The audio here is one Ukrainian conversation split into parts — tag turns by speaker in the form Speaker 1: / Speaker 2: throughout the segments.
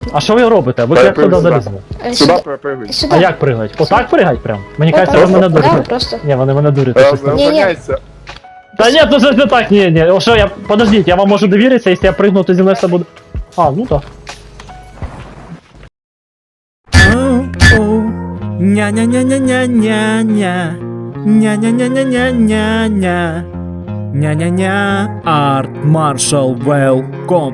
Speaker 1: А що ви робите? Ви як туди залізли?
Speaker 2: Сюди перепригуй.
Speaker 1: А
Speaker 3: Сюда.
Speaker 1: як пригать? Отак пригать прям? Мені кажеться, ви
Speaker 3: Просто
Speaker 1: мене
Speaker 3: да,
Speaker 1: дурите.
Speaker 3: просто.
Speaker 1: Ні, вони мене дурять.
Speaker 2: Розганяйся.
Speaker 1: Та ні, то щось не так, ні. О, що я... Подождіть, я вам можу довіритися, якщо я пригну, то зі мною все буде... А, ну так.
Speaker 4: Ня-ня-ня-ня-ня-ня-ня. Ня-ня-ня-ня-ня-ня-ня. Ня-ня-ня. Арт Маршал Велком.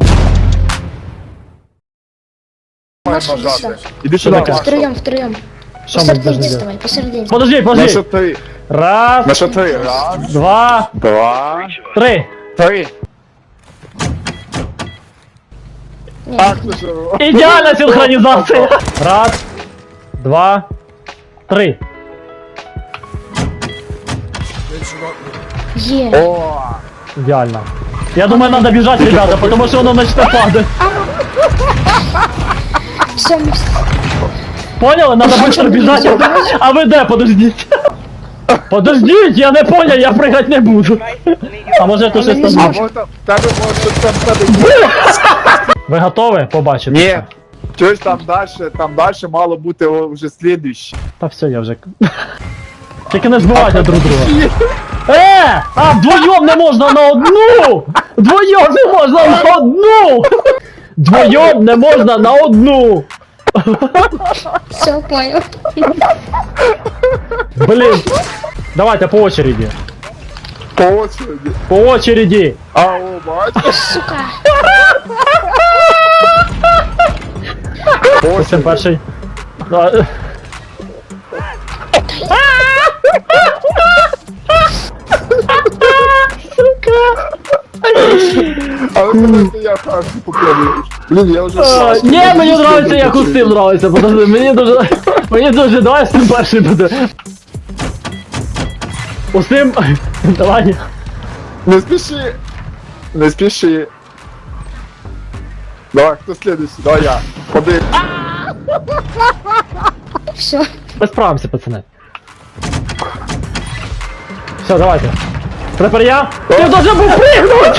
Speaker 3: Маша, иди сюда.
Speaker 2: Іди сюди,
Speaker 1: таке?
Speaker 2: Маршал.
Speaker 3: Втроем.
Speaker 1: Що ми
Speaker 3: Посередине
Speaker 1: должны делать?
Speaker 3: вставай, посередине.
Speaker 1: Подождіть,
Speaker 2: На
Speaker 1: подождіть.
Speaker 2: що три?
Speaker 1: Раз,
Speaker 2: На що три? Раз,
Speaker 1: два,
Speaker 2: два,
Speaker 1: три.
Speaker 2: три.
Speaker 3: Не,
Speaker 2: Так, ну що?
Speaker 1: Ідеальна синхронізація. Раз, два, три.
Speaker 2: О,
Speaker 1: Ідеально. Я думаю, надо бежать, ребята, потому что оно начнет падать.
Speaker 3: Все,
Speaker 1: Поняли? Надо быстро бежать. А ви де? Подождіть. Подождіть, я не понял, я прыгать не буду. А може то щось
Speaker 2: а
Speaker 1: там.
Speaker 2: може там, тебе може там тебе...
Speaker 1: Ви готові побачити?
Speaker 2: Ні. Чогось там дальше мало бути вже слідуще.
Speaker 1: Та все, я вже. Тільки не збивайте друг друга. А вдвоєм не можна на одну! Вдвоєм не можна на одну! Вдвоєм не можна на одну!
Speaker 3: все, понял.
Speaker 1: Блін. Давайте по очереді.
Speaker 2: По очереді.
Speaker 1: По очереді.
Speaker 2: А, о, бачиш?
Speaker 3: Сука.
Speaker 2: По
Speaker 1: Ось
Speaker 2: очереді.
Speaker 1: перший. Да.
Speaker 2: Але давайте я перший попробую. Блін, я вже...
Speaker 1: Ні, мені нравиться, як Устим нравиться, подожди, мені дуже, давай Устим перший буде. Устим, давай.
Speaker 2: Не спіши. Не спіши. Давай, хто слідуючий? Давай я. Ходи.
Speaker 3: Все.
Speaker 1: Ми справимося, пацани. Все, давайте. Тепер я. Ти должен був пригнуть!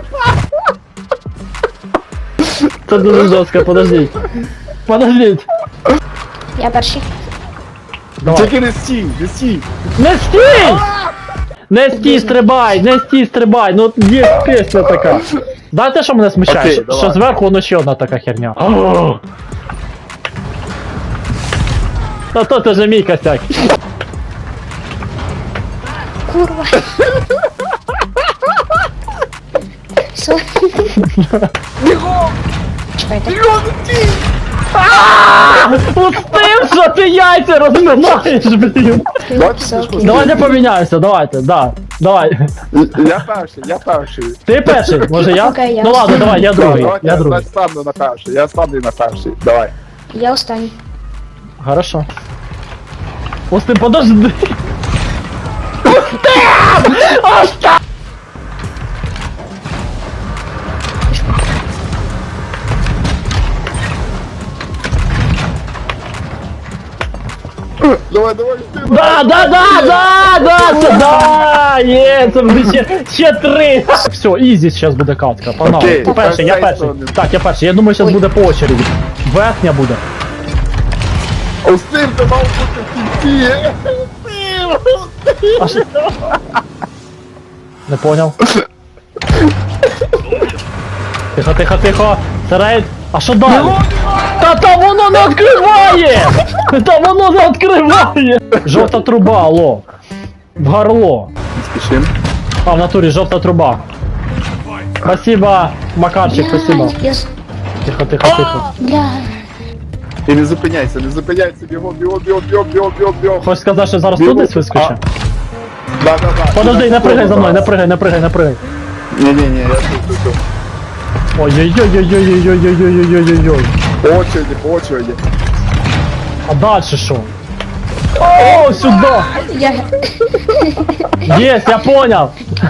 Speaker 1: Це дуже жорстко, подождіть. Подождіть.
Speaker 3: Я перший.
Speaker 1: Давай.
Speaker 2: Тільки не стій, не стій.
Speaker 1: Не стій! Не стій, стрибай, ну є пісня така. Знаєте, що мене смущає?
Speaker 2: Окей,
Speaker 1: Що
Speaker 2: давай.
Speaker 1: зверху воно ще одна така херня. Та то це же мій косяк.
Speaker 3: Курва. Все. Чекайте.
Speaker 1: Пустив, що ти яйця розминаєш, блін.
Speaker 2: Давайте
Speaker 3: Все,
Speaker 2: ти ж
Speaker 3: окей.
Speaker 1: Давайте поміняємося, давайте, да. Давай.
Speaker 2: Я перший.
Speaker 1: Ти перший, може я?
Speaker 3: Окей, я
Speaker 1: Ну ладно, давай, я другий.
Speaker 2: Давайте
Speaker 1: Я другий.
Speaker 2: стану на перший. Я стану на перший. Давай.
Speaker 3: Я останній.
Speaker 1: Хорошо. Устим, подожди.
Speaker 2: Давай, ти.
Speaker 1: Да, є, це буде ще три. Все, ізі зараз буде катка, погнали.
Speaker 2: Окей,
Speaker 1: Ти перший, я
Speaker 2: перший
Speaker 1: перший.
Speaker 2: сторони.
Speaker 1: Так, я перший, я думаю, зараз буде по очереді. Верхня буде.
Speaker 2: Устим, ти мав бути в кінці.
Speaker 1: А що? Не поняв. Тихо. Це рейд. А що далі? Та там воно не відкриває! Там воно не відкриває! Жовта труба, алло. В горло.
Speaker 2: Не спішим.
Speaker 1: А, в натурі жовта труба. Спасибо, Макарчик, спасибо.
Speaker 3: Блядь, я...
Speaker 1: Тихо.
Speaker 3: Бля.
Speaker 2: І не зупиняйся, бігом.
Speaker 1: Хочеш сказати, що зараз тут десь вискоче?
Speaker 2: Да.
Speaker 1: Подожди, не пригай за мною, не пригай.
Speaker 2: Ні, я тут.
Speaker 1: Ой-ой-ой-ой-ой-ой-ой-ой-ой-ой-ой-ой.
Speaker 2: По очереді.
Speaker 1: А дальше що? О, сюда!
Speaker 3: Я...
Speaker 1: Есть, я понял!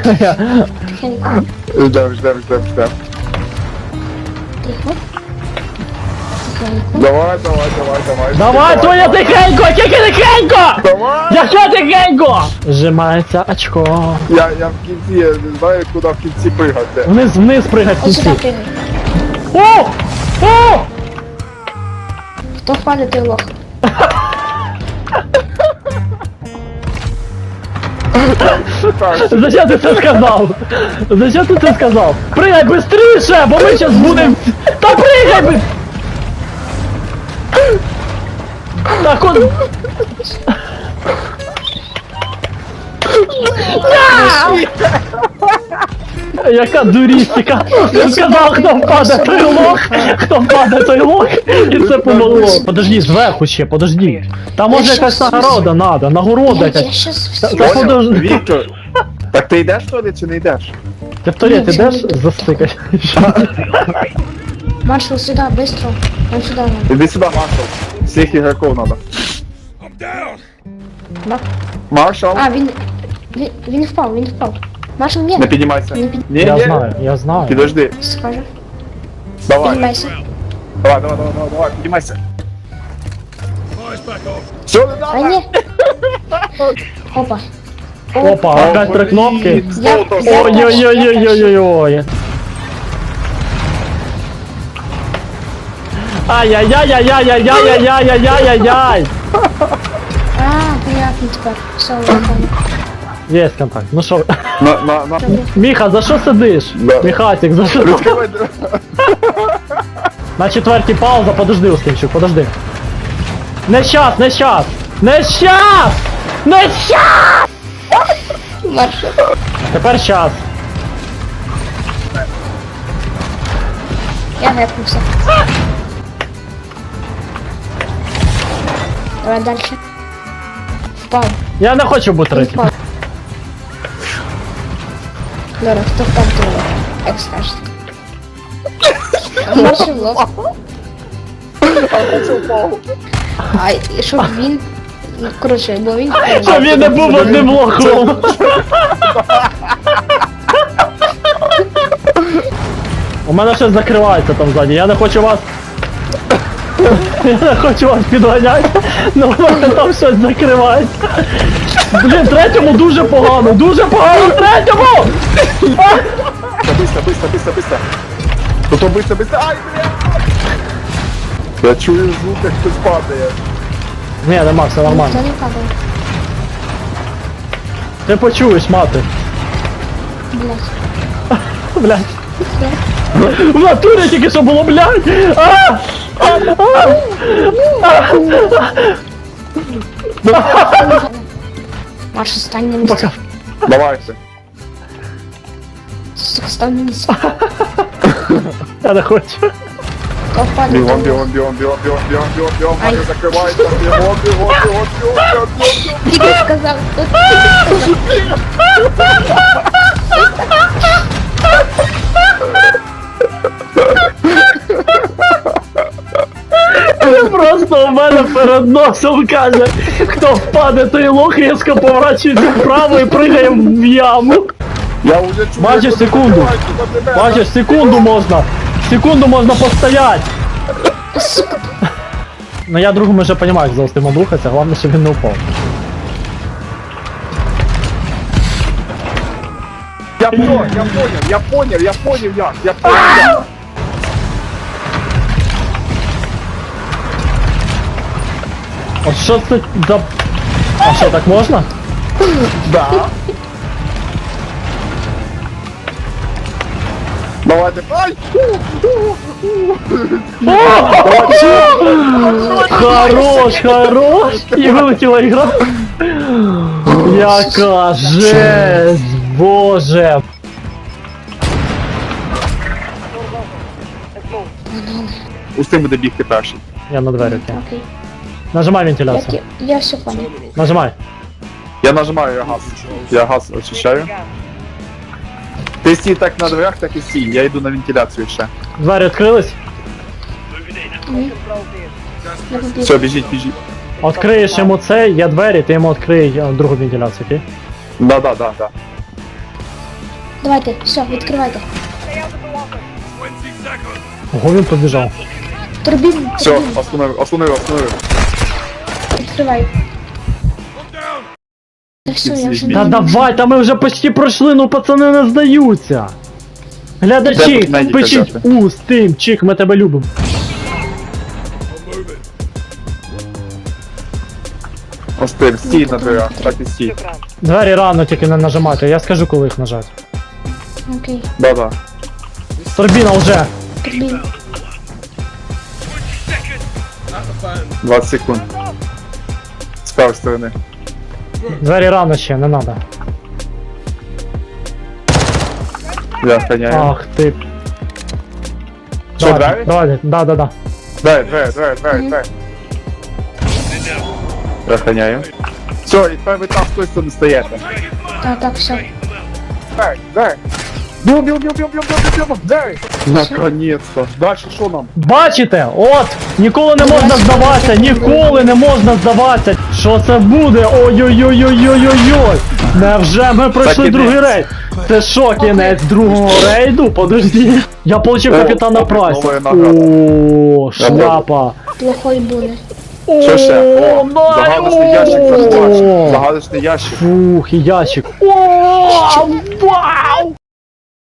Speaker 2: Ждем.
Speaker 3: Тихо.
Speaker 2: Давай.
Speaker 1: Давай, твоя тихенько, тільки тихенько!
Speaker 2: Давай!
Speaker 1: Яке тихенько! Зжимається очко.
Speaker 2: Я в кінці, я не знаю, куди в кінці пригати.
Speaker 1: Вниз пригай в
Speaker 3: Ось сюди
Speaker 1: кінці.
Speaker 3: прыгай.
Speaker 1: О!
Speaker 3: Хто впаде, той лох.
Speaker 1: Зачем ти це сказав? Зачем ти це сказав? Пригай быстріше, бо ми зараз будемо... Та пригай би! Так он... Яка дурістика! Я сказав, хто впаде, той лох! Хто впаде, той лох! І це помогло! Подожди, зверху ще, подожди! Там може якась нагорода надо, нагорода
Speaker 3: Я
Speaker 1: якась.
Speaker 3: щас
Speaker 1: Та
Speaker 3: всі...
Speaker 2: Поняв?
Speaker 1: подожди.
Speaker 2: Віктор. Так ти йдеш туди чи не йдеш?
Speaker 1: Ти в туалет ідеш? Застикай.
Speaker 3: Маршал, сюда, быстро. Он сюда надо.
Speaker 2: Іди сюди, Маршал. Всіх ігроків надо.
Speaker 3: Мар-
Speaker 2: Маршал,
Speaker 3: А, він впав, він впав. Маршал, ні.
Speaker 2: не піднімайся.
Speaker 3: Не
Speaker 2: Ні,
Speaker 1: Я
Speaker 2: ні.
Speaker 1: знаю, я знаю.
Speaker 2: Підожди.
Speaker 3: Скажу.
Speaker 2: Давай.
Speaker 3: Піднімайся.
Speaker 2: Давай, піднімайся. Все, не
Speaker 3: А
Speaker 2: надо.
Speaker 3: ні. Опа.
Speaker 1: Опа, опять три кнопки.
Speaker 3: Я-
Speaker 1: Ой-ой-ой-ой-ой-ой. Ай-яй-яй-яй-яй-яй-яй-яй-яй-яй.
Speaker 3: А, понятно тепер. Все, я понял.
Speaker 1: Є контакт. Ну що,
Speaker 2: На.
Speaker 1: Міха, за що сидиш?
Speaker 2: Да.
Speaker 1: Міхатик, за що?
Speaker 2: Відкривай.
Speaker 1: На четвертій пауза, подожди, Ускінчук, подожди. Не щас, не щас! Не щас! Не щас!
Speaker 3: Маршал.
Speaker 1: Тепер щас.
Speaker 3: Я гепнувся. Давай дальше. Впав.
Speaker 1: Я не хочу бути третім.
Speaker 3: Впав. Добре, хто впав, то лох. Як скажете. Маршал лох. А і щоб він... Ну, коротше, бо він...
Speaker 1: Щоб він не був одним лохом. У мене щось закривається там ззаді, я не хочу вас... Я не хочу вас підганяти, але у мене там щось закривається. Блін, третьому дуже погано, третьому!
Speaker 2: Быстро. Тут быстро. Ай, бля! Я чую звук, як хтось падає.
Speaker 1: Ні, нема, все нормально.
Speaker 3: Ніхто не падає.
Speaker 1: Ти почуєш, мати.
Speaker 3: Блять.
Speaker 1: Блядь. В натурі тільки що було, блядь!
Speaker 3: Маршал, стань на місце.
Speaker 2: Давайте.
Speaker 3: Сука, стань на місце.
Speaker 1: Я не хочу.
Speaker 3: Хто впаде,
Speaker 2: Бігом,
Speaker 3: то лох.
Speaker 2: бігом.
Speaker 3: Ай.
Speaker 2: Мене закривається. Бігом.
Speaker 3: Тільки сказав, хто тільки сказав.
Speaker 1: Просто у мене перед носом каже, хто впаде, той лох різко поворачується вправо і пригає в яму.
Speaker 2: Я уже чую.
Speaker 1: Бачиш,
Speaker 2: як
Speaker 1: секунду.
Speaker 2: закривається на тебе.
Speaker 1: Бачиш, секунду можна постоять.
Speaker 3: Сука,
Speaker 1: Ну я другому вже розумію, як за Устимом рухатися, головне, щоб він не впав.
Speaker 2: Я понял як.
Speaker 1: От що це за... А що, так можна?
Speaker 2: Да. Давайте. Ай!
Speaker 1: Хорош! І вилетіла ігра. Яка жесть, боже.
Speaker 2: Устим буде бігти перший.
Speaker 1: Я на двері, окей.
Speaker 3: окей.
Speaker 1: Нажимай вентиляцію.
Speaker 3: Я все понял.
Speaker 1: Нажимай.
Speaker 2: Я нажимаю я газ. Я газ очищаю. Ти стій так на дверях, так і стій. Я йду на вентиляцію ще.
Speaker 1: Двері відкрились.
Speaker 3: Я побіг.
Speaker 2: Все, біжіть.
Speaker 1: Откриєш йому це, є двері, ти йому відкрий другу вентиляцію, окей?
Speaker 2: Да.
Speaker 3: Давайте, все, відкривайте.
Speaker 1: Ого, він побіжав.
Speaker 3: Турбін,
Speaker 2: Все, остановив.
Speaker 3: відкривай. Та все, я вже
Speaker 1: Та
Speaker 3: не
Speaker 1: давай, та ми вже почти пройшли, ну пацани не здаються. Глядачі,
Speaker 2: Де тут
Speaker 1: пишіть
Speaker 2: взяти?
Speaker 1: Устимчик, ми тебе любимо.
Speaker 2: Остив, стій на дверях, так і стій.
Speaker 1: Двері рано тільки не нажимати, я скажу, коли їх нажати.
Speaker 3: Окей.
Speaker 2: Да-да.
Speaker 1: Турбіна вже.
Speaker 3: Турбін.
Speaker 2: 20 секунд. З правої сторони.
Speaker 1: Двері рано ще, не надо.
Speaker 2: Я охраняю.
Speaker 1: Ах ти.
Speaker 2: Що, двері?
Speaker 1: Давай, да.
Speaker 2: Двері. Я охраняю. Все, і тепер ви там з тої сторони стоїте.
Speaker 3: Так, все.
Speaker 2: Двері. Бьем, двері. Наконец-то. Дальше що нам?
Speaker 1: Бачите? От! Ніколи не можна здаватися, ніколи не можна здаватися. Що це буде? Ой-ой-ой-ой-ой-ой-ой! Невже ми пройшли
Speaker 2: кінець.
Speaker 1: другий рейд? Це що, кінець другого рейду? Подожди. Я получив
Speaker 2: О,
Speaker 1: капітана
Speaker 2: о,
Speaker 1: Прайса.
Speaker 2: новая награда.
Speaker 1: О, шляпа.
Speaker 3: Плохой буде.
Speaker 2: Що ще? О,
Speaker 1: О,
Speaker 2: загадочний ящик
Speaker 1: О.
Speaker 2: заховався. Загадочний ящик.
Speaker 1: Фух, і ящик. О, вау!